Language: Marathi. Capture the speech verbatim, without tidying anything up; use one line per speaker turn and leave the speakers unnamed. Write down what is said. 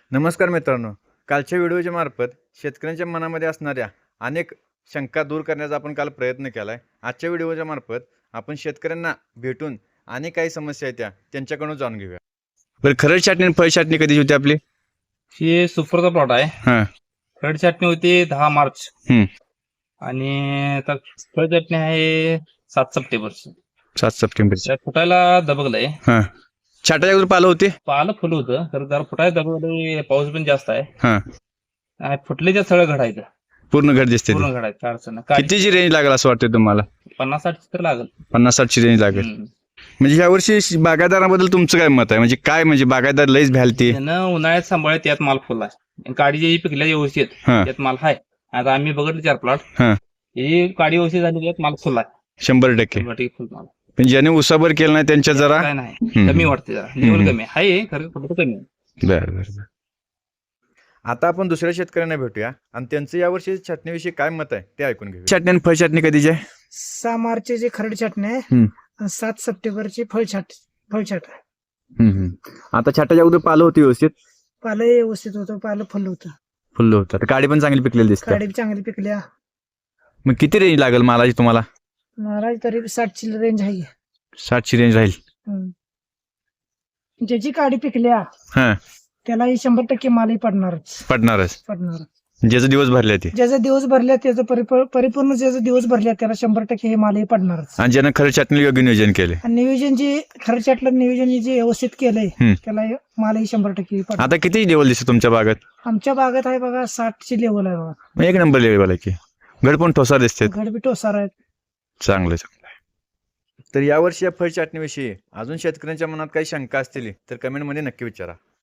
नमस्कार मित्रांनो, कालच्या व्हिडिओच्या मार्फत शेतकऱ्यांच्या मनामध्ये असणाऱ्या अनेक शंका दूर करण्याचा आपण काल प्रयत्न केला आहे. आजच्या व्हिडिओच्या मार्फत आपण शेतकऱ्यांना भेटून अनेक काही समस्या आहेत त्या त्यांच्याकडून जाणून घेऊया. बरं, खरड छाटणी आणि फळ छाटणी कधी होती आपली?
ही सुपरचा प्लॉट आहे.
हां.
खरड छाटणी होती दहा मार्च
हम्म.
आणि आता फळ छाटणी आहे सात सप्टेंबर.
सात सप्टेंबर.
त्यात फुटायला दबगलंय.
हां. छाटाच्या अगोदर पालं होते?
पालं फुल होतं तर जरा फुटायला दबगलंय, पाऊस पण जास्त आहे.
हां.
आणि फुटलेच्या सगळं घडायचं,
पूर्ण घर दिसते.
पूर्ण घडायचं, काय अडचण नाही.
कितीची रेंज लागेल असं वाटतं तुम्हाला?
पन्नास साठ तर लागल.
पन्नास साठची रेंज लागेल.
हम्म.
म्हणजे यावर्षी बागायदाराबद्दल तुमचं काय मत आहे? म्हणजे काय म्हणजे बागायदार लईच भ्यालती.
त्यानं उन्हाळ्यात सांभाळत त्यात माल फुल आहे. काडी जी पिकल्या व्यवस्थित
हां.
त्यात माल आहे. आता आम्ही बघितलं चार प्लॉट,
हां.
ही काडी व्यवस्थित झाली त्यात माल फुल आहे.
शंभर टक्के.
शंभर टक्के फुल माल.
पण ज्याने उसाभर केलं नाही त्यांच्या जरा
काय नाही,
हम्म.
कमी वाटते, जरा लेवल कमी आहे. खरं फुट कमी आहे.
बर बर बर. आता आपण दुसऱ्या शेतकऱ्यांना भेटूया आणि त्यांचं यावर्षी छाटणीविषयी काय मत आहे ते ऐकून घेऊ. छाटणी आणि फळ छाटणी कधीची आहे?
सहा मार्चचे खरड छाटणी आहे
हम्म.
आणि सात सप्टेंबरची फळछाट फळछाट आहे.
हम्म, हम्म. आता छाटाच्या अगोदर पालं होती व्यवस्थित?
पालं व्यवस्थित होतं, पालं फुल होतं,
फुल्ल होतं. काडी पण चांगली पिकलेली दिसते.
काडी चांगली पिकल्या.
मग किती रेंज लागेल मालाची तुम्हाला?
महाराज तरी साठची रेंज आहे.
साठची रेंज राहील.
हम्म. ज्याची काडी पिकल्या
हा,
त्याला शंभर टक्के मालही पडणारच
पडणारच.
पडणार.
ज्याचं दिवस भरले ते
ज्याचा दिवस भरल्या त्याचं परिपूर्ण परिपूर्ण ज्याचा दिवस भरल्या त्याला शंभर टक्के हे मालही पडणारच.
आणि ज्यानं खरं छाटणी योग्य नियोजन केले.
आणि नियोजन जे खरड छाटलं नियोजन जे व्यवस्थित केलंय
हम्म.
त्याला मालही शंभर टक्के पडणार.
आता किती लेवल दिसते तुमच्या बागात?
आमच्या बागात आहे बघा साठची लेवल आहे बघा.
मग एक नंबर लेवल आहे की. घड पण ठोसा दिसते.
घडबी टोसार आहेत.
चांगलं चांगलं आहे. तर यावर्षी या फळ छाटणीविषयी अजून शेतकऱ्यांच्या मनात काही शंका असतील तर कमेंटमध्ये नक्की विचारा.